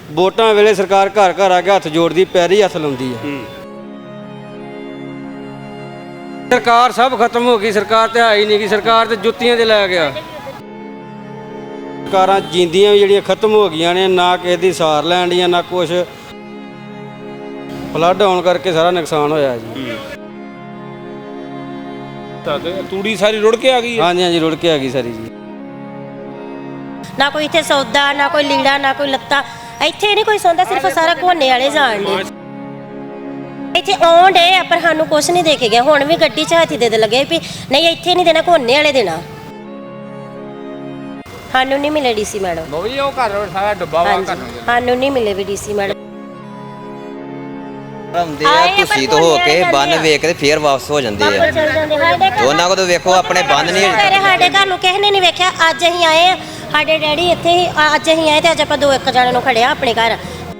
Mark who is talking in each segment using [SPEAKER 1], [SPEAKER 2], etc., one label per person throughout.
[SPEAKER 1] ਵੋਟਾਂ ਵੇਲੇ ਸਰਕਾਰ ਘਰ ਘਰ ਆ ਕੇ ਹੱਥ ਜੋੜਦੀ, ਪੈਰੀ ਹੱਥ ਲਾਉਂਦੀ ਹੈ। ਸਰਕਾਰ ਸਭ ਖਤਮ ਹੋ ਗਈ, ਸਰਕਾਰ ਤੇ ਹੈ ਹੀ ਨਹੀਂ ਗੀ, ਸਰਕਾਰ ਤੇ ਜੁੱਤੀਆਂ 'ਤੇ ਲੈ ਗਿਆ। ਸਰਕਾਰਾਂ ਜਿੰਦੀਆਂ ਵੀ ਜਿਹੜੀਆਂ ਖਤਮ ਹੋ ਗਈਆਂ ਨੇ, ਨਾ ਕਿਸੇ ਦੀ ਸਾਰ ਲੈਣ ਦੀਆਂ ਨਾ ਕੁਛ। ਫਲੱਡ ਆਉਣ ਕਰਕੇ ਸਾਰਾ ਨੁਕਸਾਨ ਹੋਇਆ ਜੀ।
[SPEAKER 2] ਤੂੜੀ ਸਾਰੀ ਰੁੜ ਕੇ ਆ ਗਈ?
[SPEAKER 1] ਹਾਂਜੀ ਹਾਂਜੀ, ਰੁੜ ਕੇ ਆ ਗਈ ਸਾਰੀ ਜੀ।
[SPEAKER 3] ਨਾ ਕੋਈ ਇੱਥੇ ਸੌਦਾ, ਨਾ ਕੋਈ ਲੀੜਾ, ਨਾ ਕੋਈ ਲੱਤਾ। ਇੱਥੇ ਨਹੀਂ ਕੋਈ ਸੌਂਦਾ, ਸਿਰਫ ਸਾਰਾ ਘੋਨੇ ਵਾਲੇ ਜਾਣ ਨੇ। ਇੱਥੇ ਆਉਣ ਡੇ ਆ ਪਰ ਸਾਨੂੰ ਕੁਛ ਨਹੀਂ ਦੇ ਕੇ ਗਿਆ। ਹੁਣ ਵੀ ਗੱਡੀ 'ਚ ਹਾਥੀ ਦੇ ਲੱਗੇ ਵੀ ਨਹੀਂ ਇੱਥੇ ਨਹੀਂ ਦੇਣਾ, ਘੋਨੇ ਵਾਲੇ ਦੇਣਾ। ਸਾਨੂੰ ਨਹੀਂ ਮਿਲੇ ਡੀਸੀ ਮੈਡਮ।
[SPEAKER 2] ਉਹ ਘਰ ਸਾਰਾ ਡੱਬਾ ਵਾ ਘਰ ਨੂੰ।
[SPEAKER 3] ਸਾਨੂੰ ਨਹੀਂ ਮਿਲੇ ਵੀ ਡੀਸੀ ਮੈਡਮ।
[SPEAKER 4] ਹੁੰਦੇ ਆ ਤੁਸੀਂ ਤੋਂ ਹੋ ਕੇ ਬੰਨ ਵੇਖ ਕੇ ਫੇਰ ਵਾਪਸ ਹੋ ਜਾਂਦੇ ਆ। ਉਹਨਾਂ ਕੋਲ ਵੇਖੋ ਆਪਣੇ ਬੰਨ ਨਹੀਂ।
[SPEAKER 3] ਸਾਡੇ ਘਰ ਨੂੰ ਕਿਸੇ ਨੇ ਨਹੀਂ ਵੇਖਿਆ। ਅੱਜ ਅਸੀਂ ਆਏ ਆ, ਸਾਡੇ ਡੈਡੀ ਇੱਥੇ ਹੀ। ਅੱਜ ਅਸੀਂ ਆਏ ਤੇ ਅੱਜ ਆਪਾਂ 2-1 ਜਣੇ ਨੂੰ ਖੜਿਆ ਆਪਣੇ ਘਰ।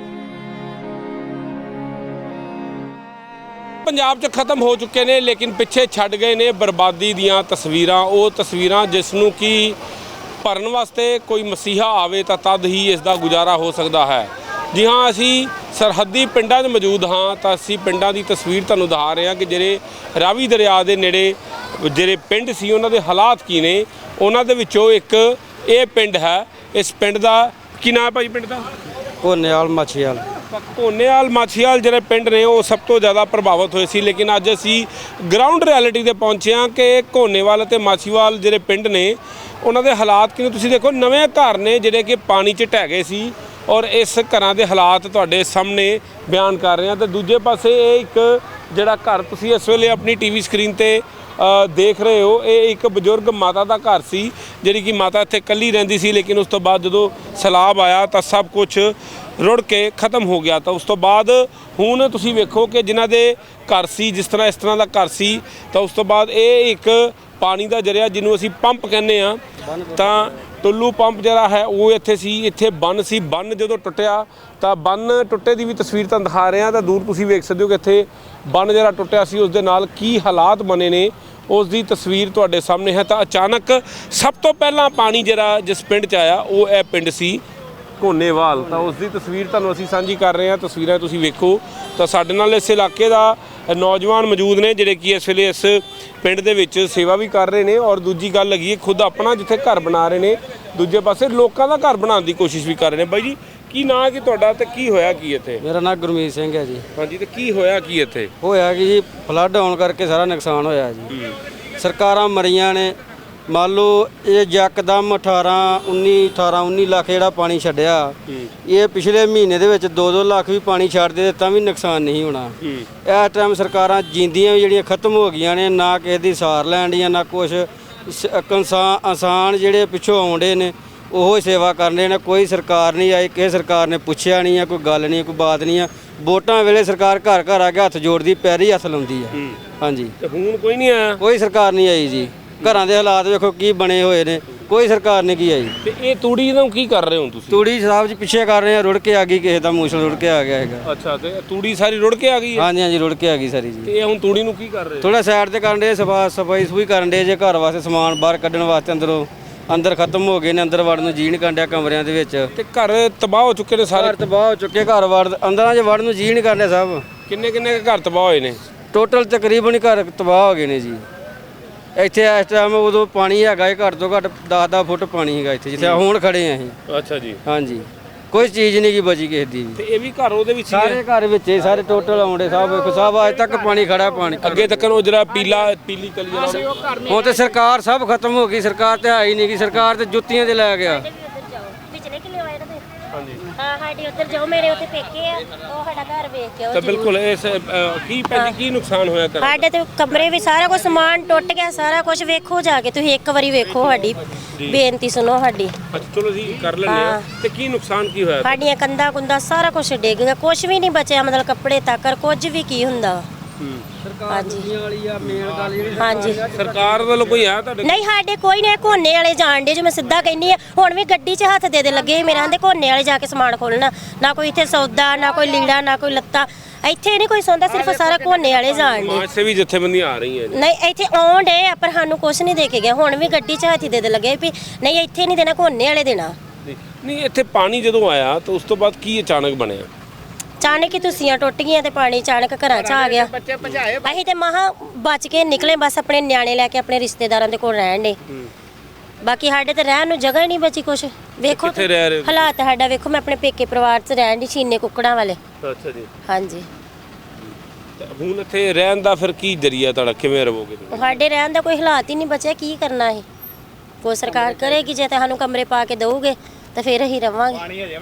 [SPEAKER 2] ਪੰਜਾਬ 'ਚ ਖਤਮ ਹੋ ਚੁੱਕੇ ਨੇ, ਲੇਕਿਨ ਪਿੱਛੇ ਛੱਡ ਗਏ ਨੇ ਬਰਬਾਦੀ ਦੀਆਂ ਤਸਵੀਰਾਂ। ਉਹ ਤਸਵੀਰਾਂ ਜਿਸ ਨੂੰ ਕਿ ਭਰਨ ਵਾਸਤੇ ਕੋਈ ਮਸੀਹਾ ਆਵੇ ਤਾਂ ਤਦ ਹੀ ਇਸ ਦਾ ਗੁਜ਼ਾਰਾ ਹੋ ਸਕਦਾ ਹੈ। ਜੀ ਹਾਂ, ਅਸੀਂ ਸਰਹੱਦੀ ਪਿੰਡਾਂ 'ਚ ਮੌਜੂਦ ਹਾਂ ਤਾਂ ਅਸੀਂ ਪਿੰਡਾਂ ਦੀ ਤਸਵੀਰ ਤੁਹਾਨੂੰ ਦਿਖਾ ਰਹੇ ਹਾਂ ਕਿ ਜਿਹੜੇ ਰਾਵੀ ਦਰਿਆ ਦੇ ਨੇੜੇ ਜਿਹੜੇ ਪਿੰਡ ਸੀ ਉਹਨਾਂ ਦੇ ਹਾਲਾਤ ਕੀ ਨੇ। ਉਹਨਾਂ ਦੇ ਵਿੱਚੋਂ ਇੱਕ ਇਹ ਪਿੰਡ ਹੈ। ਇਸ ਪਿੰਡ ਦਾ ਕੀ ਨਾਮ ਹੈ ਭਾਈ? ਪਿੰਡ ਦਾ
[SPEAKER 1] ਘੋਨੇਵਾਲ ਮਾਛੀਵਾਲ।
[SPEAKER 2] ਘੋਨੇਵਾਲ ਮਾਛੀਵਾਲ ਜਿਹੜੇ ਪਿੰਡ ਨੇ ਉਹ ਸਭ ਤੋਂ ਜ਼ਿਆਦਾ ਪ੍ਰਭਾਵਿਤ ਹੋਏ ਸੀ, ਲੇਕਿਨ ਅੱਜ ਅਸੀਂ ਗਰਾਊਂਡ ਰਿਐਲਿਟੀ 'ਤੇ ਪਹੁੰਚੇ ਹਾਂ ਕਿ ਘੋਨੇਵਾਲ ਅਤੇ ਮਾਛੀਵਾਲ ਜਿਹੜੇ ਪਿੰਡ ਨੇ ਉਹਨਾਂ ਦੇ ਹਾਲਾਤ ਕਿਵੇਂ। ਤੁਸੀਂ ਦੇਖੋ, ਨਵੇਂ ਘਰ ਨੇ ਜਿਹੜੇ ਕਿ ਪਾਣੀ 'ਚ ਢਹਿ ਗਏ ਸੀ ਔਰ ਇਸ ਘਰਾਂ ਦੇ ਹਾਲਾਤ ਤੁਹਾਡੇ ਸਾਹਮਣੇ ਬਿਆਨ ਕਰ ਰਹੇ ਹਾਂ। ਤੇ ਦੂਜੇ ਪਾਸੇ ਇਹ ਇੱਕ ਜਿਹੜਾ ਘਰ ਤੁਸੀਂ ਇਸ ਵੇਲੇ ਆਪਣੀ ਟੀਵੀ ਸਕਰੀਨ ਤੇ ਦੇਖ ਰਹੇ ਹੋ, ਇਹ ਇੱਕ ਬਜ਼ੁਰਗ ਮਾਤਾ ਦਾ ਘਰ ਸੀ ਜਿਹੜੀ ਕਿ ਮਾਤਾ ਇੱਥੇ ਇਕੱਲੀ ਰਹਿੰਦੀ ਸੀ। ਲੇਕਿਨ ਉਸ ਤੋਂ ਬਾਅਦ ਜਦੋਂ ਸੈਲਾਬ ਆਇਆ ਤਾਂ ਸਭ ਕੁਝ ਰੁੜ ਕੇ ਖਤਮ ਹੋ ਗਿਆ। ਤਾਂ ਉਸ ਤੋਂ ਬਾਅਦ ਹੁਣ ਤੁਸੀਂ ਵੇਖੋ ਕਿ ਜਿਨ੍ਹਾਂ ਦੇ ਘਰ ਸੀ ਜਿਸ ਤਰ੍ਹਾਂ ਦਾ ਘਰ ਸੀ, ਤਾਂ ਉਸ ਤੋਂ ਬਾਅਦ ਇਹ ਇੱਕ ਪਾਣੀ ਦਾ ਜ਼ਰੀਆ ਜਿਹਨੂੰ ਅਸੀਂ ਪੰਪ ਕਹਿੰਦੇ ਆ, ਤਾਂ ਟੁੱਲੂ ਪੰਪ ਜਿਹੜਾ ਹੈ ਉਹ ਇੱਥੇ ਸੀ। ਇੱਥੇ ਬੰਨ ਸੀ, ਬੰਨ ਜਦੋਂ ਟੁੱਟਿਆ ਤਾਂ ਬੰਨ ਟੁੱਟੇ ਦੀ ਵੀ ਤਸਵੀਰ ਤੁਹਾਨੂੰ ਦਿਖਾ ਰਹੇ ਹਾਂ। ਤਾਂ ਦੂਰ ਤੁਸੀਂ ਵੇਖ ਸਕਦੇ ਹੋ ਕਿ ਇੱਥੇ ਬੰਨ ਜਿਹੜਾ ਟੁੱਟਿਆ ਸੀ ਉਸ ਦੇ ਨਾਲ ਕੀ ਹਾਲਾਤ ਬਣੇ ਨੇ, ਉਸ ਦੀ ਤਸਵੀਰ ਤੁਹਾਡੇ ਸਾਹਮਣੇ ਹੈ। ਤਾਂ ਅਚਾਨਕ ਸਭ ਤੋਂ ਪਹਿਲਾਂ ਪਾਣੀ ਜਿਹੜਾ ਜਿਸ ਪਿੰਡ 'ਚ ਆਇਆ ਉਹ ਇਹ ਪਿੰਡ ਸੀ ਘੋਨੇਵਾਲ। ਤਾਂ ਉਸ ਦੀ ਤਸਵੀਰ ਤੁਹਾਨੂੰ ਅਸੀਂ ਸਾਂਝੀ ਕਰ ਰਹੇ ਹਾਂ। ਤਸਵੀਰਾਂ ਤੁਸੀਂ ਵੇਖੋ। ਤਾਂ ਸਾਡੇ ਨਾਲ ਇਸ ਇਲਾਕੇ ਦਾ ਨੌਜਵਾਨ ਮੌਜੂਦ ਨੇ ਜਿਹੜੇ ਕਿ ਇਸ ਵੇਲੇ ਇਸ ਪਿੰਡ ਦੇ ਵਿੱਚ ਸੇਵਾ ਵੀ ਕਰ ਰਹੇ ਨੇ ਔਰ ਦੂਜੀ ਗੱਲ ਹੈਗੀ ਹੈ ਖੁਦ ਆਪਣਾ ਜਿੱਥੇ ਘਰ ਬਣਾ ਰਹੇ ਨੇ, ਦੂਜੇ ਪਾਸੇ ਲੋਕਾਂ ਦਾ ਘਰ ਬਣਾਉਣ ਦੀ ਕੋਸ਼ਿਸ਼ ਵੀ ਕਰ ਰਹੇ ਨੇ। ਬਾਈ ਜੀ, ਕੀ ਨਾਂ ਕਿ ਤੁਹਾਡਾ ਤੇ ਕੀ ਹੋਇਆ ਕੀ ਇੱਥੇ?
[SPEAKER 1] ਮੇਰਾ ਨਾਮ ਗੁਰਮੀਤ ਸਿੰਘ ਹੈ ਜੀ।
[SPEAKER 2] ਹਾਂਜੀ, ਤੇ ਕੀ ਹੋਇਆ ਕੀ ਇੱਥੇ?
[SPEAKER 1] ਹੋਇਆ ਕਿ ਜੀ ਫਲੱਡ ਆਉਣ ਕਰਕੇ ਸਾਰਾ ਨੁਕਸਾਨ ਹੋਇਆ ਜੀ। ਸਰਕਾਰਾਂ ਮਰੀਆਂ ਨੇ। ਮੰਨ ਲਓ ਇਹ ਯਕਦਮ 18-19 ਲੱਖ ਜਿਹੜਾ ਪਾਣੀ ਛੱਡਿਆ, ਇਹ ਪਿਛਲੇ ਮਹੀਨੇ ਦੇ ਵਿੱਚ 2-2 ਲੱਖ ਵੀ ਪਾਣੀ ਛੱਡਦੇ ਤਾਂ ਵੀ ਨੁਕਸਾਨ ਨਹੀਂ ਹੋਣਾ। ਇਸ ਟਾਈਮ ਸਰਕਾਰਾਂ ਜਿੰਦੀਆਂ ਵੀ ਜਿਹੜੀਆਂ ਖਤਮ ਹੋ ਗਈਆਂ ਨੇ, ਨਾ ਕਿਸੇ ਦੀ ਸਾਰ ਲੈਣ ਦੀਆਂ ਨਾ ਕੁਛ। ਇਨਸਾਨ ਜਿਹੜੇ ਪਿੱਛੋਂ ਆਉਂਦੇ ਨੇ ਉਹ ਸੇਵਾ ਕਰਨੇ ਨੇ। ਕੋਈ ਸਰਕਾਰ ਨਹੀਂ ਆਈ, ਕਿਸੇ ਸਰਕਾਰ ਨੇ ਪੁੱਛਿਆ ਨਹੀਂ ਆ, ਕੋਈ ਗੱਲ ਨਹੀਂ, ਕੋਈ ਬਾਤ ਨਹੀਂ ਆ। ਵੋਟਾਂ ਵੇਲੇ ਸਰਕਾਰ ਘਰ ਘਰ ਆ ਕੇ ਹੱਥ ਜੋੜਦੀ, ਪੈਰੀ ਹੱਥ ਲਾਉਂਦੀ ਆ। ਹਾਂਜੀ,
[SPEAKER 2] ਤੇ ਹੁਣ ਕੋਈ ਨਹੀਂ ਆਇਆ?
[SPEAKER 1] ਕੋਈ ਸਰਕਾਰ ਨਹੀਂ ਆਈ ਜੀ। ਘਰਾਂ ਦੇ ਹਾਲਾਤ ਵੇਖੋ ਕੀ ਬਣੇ ਹੋਏ ਨੇ, ਕੋਈ ਸਰਕਾਰ ਨੇ ਕੀ ਆਈ।
[SPEAKER 2] ਤੇ ਇਹ ਤੂੜੀ ਨੂੰ ਕੀ ਕਰ ਰਹੇ ਹੋ ਤੁਸੀਂ?
[SPEAKER 1] ਤੂੜੀ ਸਾਹਿਬ ਜੀ ਪਿੱਛੇ ਕਰ ਰਹੇ ਆ, ਰੁੜ ਕੇ ਆ ਗਈ, ਕਿਸੇ ਦਾ ਮੂਸਲ ਰੁੜ ਕੇ ਆ ਗਿਆ ਹੈਗਾ।
[SPEAKER 2] ਅੱਛਾ, ਤੇ ਤੂੜੀ ਸਾਰੀ ਰੁੜ ਕੇ ਆ ਗਈ ਹੈ?
[SPEAKER 1] ਹਾਂਜੀ ਹਾਂਜੀ, ਰੁੜ ਕੇ ਆ ਗਈ ਸਾਰੀ ਜੀ।
[SPEAKER 2] ਤੇ ਇਹ ਹੁਣ ਤੂੜੀ ਨੂੰ ਕੀ ਕਰ ਰਹੇ?
[SPEAKER 1] ਥੋੜਾ ਸਾਈਡ ਤੇ ਕਰਨ ਦੇ, ਸਫਾਈ ਸਫੂਈ ਕਰਨ ਦੇ ਜੇ ਘਰ ਵਾਸਤੇ ਸਮਾਨ ਬਾਹਰ ਕੱਢਣ ਵਾਸਤੇ। ਅੰਦਰ ਖਤਮ ਹੋ ਗਏ ਨੇ, ਅੰਦਰ ਵੜਨ ਨੂੰ ਜੀਅ ਨਹੀਂ ਕਰਨ ਡਿਆ ਕਮਰਿਆਂ ਦੇ ਵਿੱਚ।
[SPEAKER 2] ਤੇ ਘਰ ਤਬਾਹ ਹੋ ਚੁੱਕੇ ਨੇ ਸਾਰੇ?
[SPEAKER 1] ਘਰ ਤਬਾਹ ਹੋ ਚੁੱਕੇ, ਘਰ ਅੰਦਰਾਂ 'ਚ ਵੜਨ ਨੂੰ ਜੀਅ ਨਹੀਂ ਕਰਨ ਡਿਆ ਸਾਹਿਬ।
[SPEAKER 2] ਕਿੰਨੇ ਘਰ ਤਬਾਹ ਹੋਏ ਨੇ?
[SPEAKER 1] ਟੋਟਲ ਤਕਰੀਬਨ ਹੀ ਘਰ ਤਬਾਹ ਹੋ ਗਏ ਨੇ ਜੀ। ਇੱਥੇ ਇਸ ਟਾਈਮ ਉਦੋਂ ਪਾਣੀ ਹੈਗਾ ਘੱਟ ਤੋਂ ਘੱਟ 10-10 ਫੁੱਟ ਪਾਣੀ ਹੈਗਾ ਇੱਥੇ ਜਿੱਥੇ ਹੁਣ ਖੜੇ ਆ ਅਸੀਂ।
[SPEAKER 2] ਅੱਛਾ ਜੀ।
[SPEAKER 1] ਹਾਂਜੀ, ਕੋਈ ਚੀਜ਼ ਨਹੀਂ ਕੀ ਬਚੀ ਕਿਸੇ ਦੀ ਵੀ।
[SPEAKER 2] ਤੇ ਇਹ ਵੀ ਘਰ ਉਹਦੇ ਵਿੱਚ ਹੀ
[SPEAKER 1] ਸਾਰੇ ਘਰ ਵਿੱਚ ਹੀ ਸਾਰੇ ਟੋਟਲ ਆਉਂਦੇ ਸਾਹਿਬ। ਵੇਖੋ ਸਾਹਿਬ, ਅੱਜ ਤੱਕ ਪਾਣੀ ਖੜਾ, ਪਾਣੀ
[SPEAKER 2] ਅੱਗੇ ਤੱਕ ਉਹ ਜਿਹੜਾ ਪੀਲੀ ਕਲੀ ਜਿਹੜਾ
[SPEAKER 1] ਹੁਣ ਤੇ ਸਰਕਾਰ ਸਭ ਖਤਮ ਹੋ ਗਈ, ਸਰਕਾਰ ਤੇ ਹੈ ਹੀ ਨਹੀਂ ਗੀ, ਸਰਕਾਰ ਤੇ ਜੁੱਤੀਆਂ 'ਤੇ ਲੈ ਗਿਆ।
[SPEAKER 3] ਹਾਂ, ਸਾਡੇ ਉੱਧਰ ਜਾਓ, ਮੇਰੇ ਉੱਥੇ ਪੇਕੇ ਆ, ਉਹ ਸਾਡਾ ਘਰ ਵੇਖ ਕੇ ਆਓ।
[SPEAKER 2] ਤਾਂ ਬਿਲਕੁਲ ਇਸ ਕੀ ਨੁਕਸਾਨ ਹੋਇਆ ਘਰ?
[SPEAKER 3] ਸਾਡੇ ਤੇ ਕਮਰੇ ਵੀ ਸਾਰਾ ਕੁਝ ਸਮਾਨ ਟੁੱਟ ਗਿਆ, ਸਾਰਾ ਕੁਝ ਵੇਖੋ ਜਾ ਕੇ ਤੁਸੀਂ ਇੱਕ ਵਾਰੀ ਵੇਖੋ, ਸਾਡੀ ਬੇਨਤੀ ਸੁਣੋ ਸਾਡੀ।
[SPEAKER 2] ਅੱਛਾ, ਚਲੋ ਜੀ ਕਰ ਲੈਂਦੇ ਆ। ਤੇ ਕੀ ਨੁਕਸਾਨ ਕੀ ਹੋਇਆ?
[SPEAKER 3] ਸਾਡੀਆਂ ਕੰਧਾਂ ਕੁੰਦਾ ਸਾਰਾ ਕੁਝ ਡਿੱਗ ਗਿਆ, ਕੁਝ ਵੀ ਨਹੀਂ ਬਚਿਆ, ਮਤਲਬ ਕੱਪੜੇ ਤੱਕ ਕੁਝ ਵੀ ਕੀ ਹੁੰਦਾ। ਹਾਂਜੀ,
[SPEAKER 2] ਸਰਕਾਰ ਵੱਲੋਂ ਕੋਈ ਆਇਆ ਤੁਹਾਡੇ?
[SPEAKER 3] ਨਹੀਂ, ਸਾਡੇ ਕੋਈ ਨਹੀਂ। ਘੋਨੇ ਵਾਲੇ ਜਾਣ ਡੇ, ਜੋ ਮੈਂ ਸਿੱਧਾ ਕਹਿੰਦੀ ਆ। ਹੁਣ ਵੀ ਗੱਡੀ 'ਚ ਹੱਥ ਦੇ ਲੱਗੇ ਮੇਰੇ ਆਂਦੇ ਘੋਨੇ ਵਾਲੇ ਜਾ ਕੇ ਸਮਾਨ ਖੋਲਣਾ। ਨਾ ਕੋਈ ਇੱਥੇ ਸੌਦਾ, ਨਾ ਕੋਈ ਲੀੜਾ, ਨਾ ਕੋਈ ਲੱਤਾ। ਇੱਥੇ ਨਹੀਂ ਕੋਈ ਸੌਂਦਾ, ਸਿਰਫ ਸਾਰਾ ਘੋਨੇ ਵਾਲੇ ਜਾਣ ਡੇ।
[SPEAKER 2] ਸਮਾਜ ਸੇਵੀ ਜਥੇਬੰਦੀਆਂ ਆ ਰਹੀਆਂ ਨੇ?
[SPEAKER 3] ਨਹੀਂ, ਇੱਥੇ ਆਉਣ ਡੇ ਆ ਪਰ ਸਾਨੂੰ ਕੁਛ ਨਹੀਂ ਦੇ ਕੇ ਗਿਆ। ਹੁਣ ਵੀ ਗੱਡੀ 'ਚ ਹਾਥੀ ਦੇ ਲੱਗੇ ਵੀ ਨਹੀਂ ਇੱਥੇ ਨਹੀਂ ਦੇਣਾ, ਘੋਨੇ ਵਾਲੇ ਦੇਣਾ।
[SPEAKER 2] ਨਹੀਂ ਇੱਥੇ ਪਾਣੀ ਜਦੋਂ ਆਇਆ ਤਾਂ ਉਸ ਤੋਂ ਬਾਅਦ ਕੀ ਅਚਾਨਕ ਬਣਿਆ?
[SPEAKER 3] ਅਚਾਨਕ ਹੀ ਤੁਸੀਆਂ ਟੁੱਟ ਗਈਆਂ ਤੇ ਪਾਣੀ ਅਚਾਨਕ ਘਰਾਂ 'ਚ ਆ ਗਿਆ। ਅਸੀਂ ਤੇ ਮਹਾ ਬਚ ਕੇ ਨਿਕਲੇ, ਬਸ ਆਪਣੇ ਨਿਆਣੇ ਲੈ ਕੇ ਆਪਣੇ ਰਿਸ਼ਤੇਦਾਰਾਂ ਦੇ ਕੋਲ ਰਹਿਣ ਦੇ। ਬਾਕੀ ਸਾਡੇ ਤੇ ਰਹਿਣ ਨੂੰ ਜਗ੍ਹਾ ਹੀ ਨਹੀਂ ਬਚੀ ਕੁਛ। ਵੇਖੋ
[SPEAKER 2] ਕਿੱਥੇ ਰਹਿ ਰਹੇ ਹੋ?
[SPEAKER 3] ਹਾਲਾਤ ਸਾਡਾ ਵੇਖੋ, ਮੈਂ ਆਪਣੇ ਪੇਕੇ ਪਰਿਵਾਰ 'ਚ ਰਹਿਣ ਦੀ, ਛੀਨੇ ਕੁੱਕੜਾਂ ਵਾਲੇ।
[SPEAKER 2] ਅੱਛਾ ਜੀ।
[SPEAKER 3] ਹਾਂਜੀ,
[SPEAKER 2] ਹੁਣ ਇੱਥੇ ਰਹਿਣ ਦਾ ਫਿਰ ਕੀ ਜਰੀਆ ਤੁਹਾਡਾ, ਕਿਵੇਂ ਰਹੋਗੇ?
[SPEAKER 3] ਸਾਡੇ ਰਹਿਣ ਦਾ ਕੋਈ ਹਾਲਾਤ ਹੀ ਨਹੀਂ ਬਚਿਆ, ਕੀ ਕਰਨਾ ਹੈ? ਕੋਈ ਸਰਕਾਰ ਕਰੇਗੀ ਜੇ ਤੇ ਸਾਨੂੰ ਕਮਰੇ ਪਾ ਕੇ ਦਊਗੇ ਤਾਂ ਫਿਰ ਅਸੀਂ ਰਵਾਂਗੇ,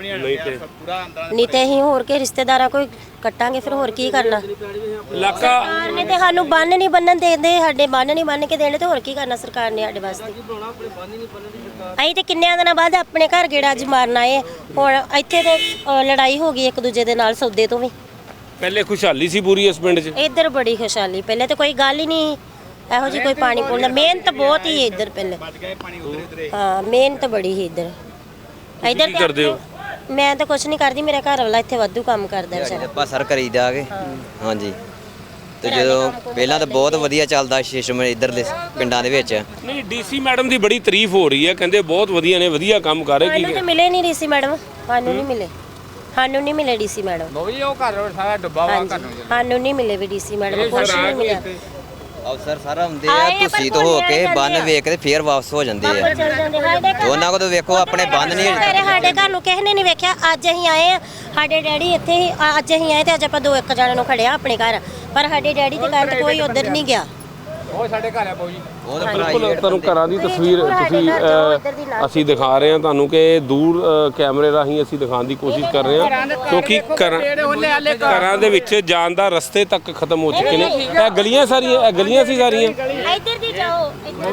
[SPEAKER 3] ਨਹੀਂ ਤੇ ਅਸੀਂ ਹੋਰ ਕੇ ਰਿਸ਼ਤੇਦਾਰਾਂ ਕੋਈ ਕੱਟਾਂਗੇ, ਫਿਰ ਹੋਰ ਕੀ ਕਰਨਾ?
[SPEAKER 2] ਇਲਾਕਾ
[SPEAKER 3] ਸਰਕਾਰ ਨੇ ਤੇ ਸਾਨੂੰ ਬੰਨ ਨਹੀਂ ਬੰਨਣ ਦੇਂਦੇ, ਸਾਡੇ ਬੰਨ ਨਹੀਂ ਬੰਨ ਕੇ ਦੇਣੇ, ਤੇ ਹੋਰ ਕੀ ਕਰਨਾ ਸਰਕਾਰ ਨੇ ਸਾਡੇ ਵਾਸਤੇ? ਅਸੀਂ ਤੇ ਕਿੰਨਿਆਂ ਦਿਨਾਂ ਬਾਅਦ ਆਪਣੇ ਘਰ ਗੇੜਾ ਅੱਜ ਮਾਰਨ ਆਏ। ਹੁਣ ਇੱਥੇ ਤੇ ਲੜਾਈ ਹੋ ਗਈ ਇੱਕ ਦੂਜੇ ਦੇ ਨਾਲ, ਸੌਦੇ ਤੋਂ ਵੀ।
[SPEAKER 2] ਪਹਿਲੇ ਖੁਸ਼ਹਾਲੀ ਸੀ ਪੂਰੀ ਇਸ ਪਿੰਡ 'ਚ?
[SPEAKER 3] ਇੱਧਰ ਬੜੀ ਖੁਸ਼ਹਾਲੀ, ਪਹਿਲੇ ਤਾਂ ਕੋਈ ਗੱਲ ਹੀ ਨਹੀਂ ਇਹੋ ਜਿਹੀ, ਕੋਈ ਪਾਣੀ ਪੂਣੀ ਮਿਹਨਤ ਬਹੁਤ ਹੀ ਇੱਧਰ ਪਹਿਲੇ। ਹਾਂ, ਮਿਹਨਤ ਬੜੀ ਹੀ ਇੱਧਰ। ਇੱਧਰ
[SPEAKER 2] ਕੀ ਕਰਦੇ ਹੋ?
[SPEAKER 3] ਮੈਂ ਤਾਂ ਕੁਛ ਨਹੀਂ ਕਰਦੀ, ਮੇਰਾ ਘਰ ਵਾਲਾ ਇੱਥੇ ਵਾਧੂ ਕੰਮ ਕਰਦਾ ਵਿਚਾਰਾ।
[SPEAKER 4] ਆਪਾਂ ਸਰ ਕਰੀਦਾ ਆਗੇ। ਹਾਂਜੀ, ਤੇ ਜਦੋਂ ਪਹਿਲਾਂ ਤਾਂ ਬਹੁਤ ਵਧੀਆ ਚੱਲਦਾ ਸਿਸਟਮ ਇੱਧਰਲੇ ਪਿੰਡਾਂ ਦੇ ਵਿੱਚ।
[SPEAKER 2] ਨਹੀਂ, ਡੀਸੀ ਮੈਡਮ ਦੀ ਬੜੀ ਤਾਰੀਫ ਹੋ ਰਹੀ ਹੈ, ਕਹਿੰਦੇ ਬਹੁਤ ਵਧੀਆ ਨੇ, ਵਧੀਆ ਕੰਮ ਕਰ ਰਹੇ।
[SPEAKER 3] ਸਾਨੂੰ ਤਾਂ ਮਿਲੇ ਨਹੀਂ ਡੀਸੀ ਮੈਡਮ, ਸਾਨੂੰ ਨਹੀਂ ਮਿਲੇ, ਸਾਨੂੰ ਨਹੀਂ ਮਿਲੇ ਡੀਸੀ ਮੈਡਮ।
[SPEAKER 5] ਉਹ ਘਰ ਸਾਰਾ ਡੁੱਬਾ ਵਾ ਘਰ ਨੂੰ।
[SPEAKER 3] ਸਾਨੂੰ ਨਹੀਂ ਮਿਲੇ ਵੀ ਡੀਸੀ ਮੈਡਮ, ਕੁਛ ਨਹੀਂ ਮਿਲਿਆ।
[SPEAKER 4] ਅਫਸਰ ਸਾਰਾ ਹੁੰਦੇ ਆ, ਤੁਸੀਂ ਤੋਂ ਹੋ ਕੇ ਬੰਨ ਵੇਖ ਕੇ ਫੇਰ ਵਾਪਸ ਹੋ ਜਾਂਦੇ ਆ। ਤੇ ਉਹਨਾਂ ਕੋਲ ਵੇਖੋ ਆਪਣੇ ਬੰਨ ਨਹੀਂ।
[SPEAKER 3] ਸਾਡੇ ਘਰ ਨੂੰ ਕਿਸੇ ਨੇ ਨਹੀਂ ਵੇਖਿਆ, ਅੱਜ ਅਸੀਂ ਆਏ ਆ, ਸਾਡੇ ਡੈਡੀ ਇੱਥੇ ਹੀ, ਅੱਜ ਅਸੀਂ ਆਏ ਤੇ ਅੱਜ ਆਪਾਂ ਦੋ ਇੱਕ ਜਣੇ ਨੂੰ ਖੜਿਆ ਆਪਣੇ ਘਰ, ਪਰ ਸਾਡੇ ਡੈਡੀ ਦੇ ਘਰ ਕੋਈ ਉਧਰ ਨਹੀਂ ਗਿਆ।
[SPEAKER 5] ਉਹ ਸਾਡੇ ਘਰ ਆ ਪਊਜੀ।
[SPEAKER 2] ਬਿਲਕੁਲ ਤੁਹਾਨੂੰ ਘਰਾਂ ਦੀ ਤਸਵੀਰ ਅਸੀਂ ਦਿਖਾ ਰਹੇ ਹਾਂ ਤੁਹਾਨੂੰ, ਕਿ ਦੂਰ ਕੈਮਰੇ ਰਾਹੀਂ ਅਸੀਂ ਦਿਖਾਉਣ ਦੀ ਕੋਸ਼ਿਸ਼ ਕਰ ਰਹੇ ਹਾਂ, ਕਿਉਂਕਿ ਘਰਾਂ ਦੇ ਵਿੱਚ ਜਾਣ ਦਾ ਰਸਤੇ ਤੱਕ ਖਤਮ ਹੋ ਚੁੱਕੇ ਨੇ। ਇਹ ਗਲੀਆਂ ਸਾਰੀਆਂ, ਇਹ ਗਲੀਆਂ ਸੀ ਸਾਰੀਆਂ,
[SPEAKER 3] ਇੱਧਰ ਦੀ ਜਾਓ,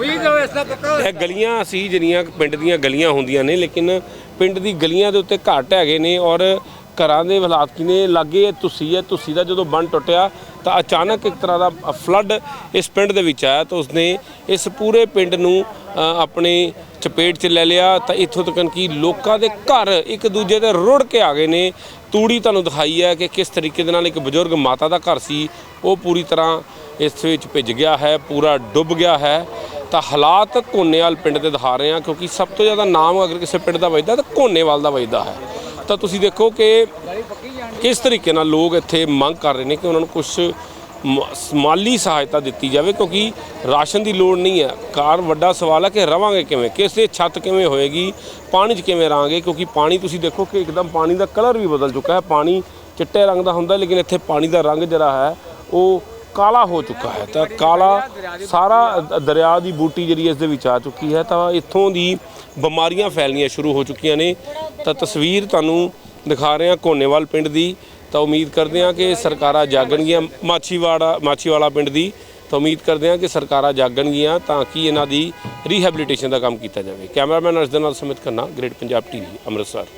[SPEAKER 2] ਇਹ ਗਲੀਆਂ ਸੀ ਜਿਹੜੀਆਂ ਪਿੰਡ ਦੀਆਂ ਗਲੀਆਂ ਹੁੰਦੀਆਂ ਨੇ, ਲੇਕਿਨ ਪਿੰਡ ਦੀ ਗਲੀਆਂ ਦੇ ਉੱਤੇ ਘੱਟ ਹੈਗੇ ਨੇ। ਔਰ ਘਰਾਂ ਦੇ ਹਾਲਾਤ ਕਿਨੇ ਲੱਗੇ, ਤੁਸੀਂ ਦਾ ਜਦੋਂ ਬੰਨ ਟੁੱਟਿਆ ਤਾਂ ਅਚਾਨਕ ਇੱਕ ਤਰ੍ਹਾਂ ਦਾ ਫਲੱਡ ਇਸ ਪਿੰਡ ਦੇ ਵਿੱਚ ਆਇਆ, ਤਾਂ ਉਸਨੇ ਇਸ ਪੂਰੇ ਪਿੰਡ ਨੂੰ ਆਪਣੇ ਚਪੇਟ 'ਚ ਲੈ ਲਿਆ। ਤਾਂ ਇੱਥੋਂ ਤੱਕ ਕਿ ਲੋਕਾਂ ਦੇ ਘਰ ਇੱਕ ਦੂਜੇ ਦੇ ਰੁੜ ਕੇ ਆ ਗਏ ਨੇ। ਤੂੜੀ ਤੁਹਾਨੂੰ ਦਿਖਾਈ ਹੈ ਕਿ ਕਿਸ ਤਰੀਕੇ ਦੇ ਨਾਲ ਇੱਕ ਬਜ਼ੁਰਗ ਮਾਤਾ ਦਾ ਘਰ ਸੀ, ਉਹ ਪੂਰੀ ਤਰ੍ਹਾਂ ਇਸ ਵਿੱਚ ਭਿੱਜ ਗਿਆ ਹੈ, ਪੂਰਾ ਡੁੱਬ ਗਿਆ ਹੈ। ਤਾਂ ਹਾਲਾਤ ਘੋਨੇਵਾਲ ਪਿੰਡ ਦੇ ਦਿਖਾ ਰਹੇ ਹਾਂ, ਕਿਉਂਕਿ ਸਭ ਤੋਂ ਜ਼ਿਆਦਾ ਨਾਮ ਅਗਰ ਕਿਸੇ ਪਿੰਡ ਦਾ ਵੱਜਦਾ ਤਾਂ ਘੋਨੇਵਾਲ ਦਾ ਵੱਜਦਾ ਹੈ। ਤਾਂ ਤੁਸੀਂ ਦੇਖੋ ਕਿ ਕਿਸ ਤਰੀਕੇ ਨਾਲ ਲੋਕ ਇੱਥੇ ਮੰਗ ਕਰ ਰਹੇ ਨੇ ਕਿ ਉਹਨਾਂ ਨੂੰ ਕੁਝ ਮਾਲੀ ਸਹਾਇਤਾ ਦਿੱਤੀ ਜਾਵੇ, ਕਿਉਂਕਿ ਰਾਸ਼ਨ ਦੀ ਲੋੜ ਨਹੀਂ ਹੈ। ਕਾਰ ਵੱਡਾ ਸਵਾਲ ਹੈ ਕਿ ਰਵਾਂਗੇ ਕਿਵੇਂ, ਕਿਸੇ ਛੱਤ ਕਿਵੇਂ ਹੋਏਗੀ, ਪਾਣੀ 'ਚ ਕਿਵੇਂ ਰਹਾਂਗੇ, ਕਿਉਂਕਿ ਪਾਣੀ ਤੁਸੀਂ ਦੇਖੋ ਕਿ ਇੱਕਦਮ ਪਾਣੀ ਦਾ ਕਲਰ ਵੀ ਬਦਲ ਚੁੱਕਾ ਹੈ। ਪਾਣੀ ਚਿੱਟੇ ਰੰਗ ਦਾ ਹੁੰਦਾ, ਲੇਕਿਨ ਇੱਥੇ ਪਾਣੀ ਦਾ ਰੰਗ ਜਿਹੜਾ ਹੈ ਉਹ ਕਾਲਾ ਹੋ ਚੁੱਕਾ ਹੈ। ਤਾਂ ਕਾਲਾ ਸਾਰਾ ਦਰਿਆ ਦੀ ਬੂਟੀ ਜਿਹੜੀ ਇਸ ਦੇ ਵਿੱਚ ਆ ਚੁੱਕੀ ਹੈ, ਤਾਂ ਇੱਥੋਂ ਦੀ ਬਿਮਾਰੀਆਂ ਫੈਲਣੀਆਂ ਸ਼ੁਰੂ ਹੋ ਚੁੱਕੀਆਂ ਨੇ। ਤਾਂ ਤਸਵੀਰ ਤੁਹਾਨੂੰ ਦਿਖਾ ਰਹੇ ਹਾਂ ਘੋਨੇਵਾਲ ਪਿੰਡ ਦੀ। ਤਾਂ ਉਮੀਦ ਕਰਦੇ ਹਾਂ ਕਿ ਸਰਕਾਰਾਂ ਜਾਗਣਗੀਆਂ, ਮਾਛੀਵਾਲਾ ਪਿੰਡ ਦੀ। ਤਾਂ ਉਮੀਦ ਕਰਦੇ ਹਾਂ ਕਿ ਸਰਕਾਰਾਂ ਜਾਗਣਗੀਆਂ ਤਾਂ ਕਿ ਇਹਨਾਂ ਦੀ ਰੀਹੈਬਿਲਿਟੇਸ਼ਨ ਦਾ ਕੰਮ ਕੀਤਾ ਜਾਵੇ। ਕੈਮਰਾਮੈਨ ਅਰਸ਼ ਦੇ ਨਾਲ ਸਮਿਤ ਖੰਨਾ, ਗ੍ਰੇਟ ਪੰਜਾਬ ਟੀਵੀ, ਅੰਮ੍ਰਿਤਸਰ।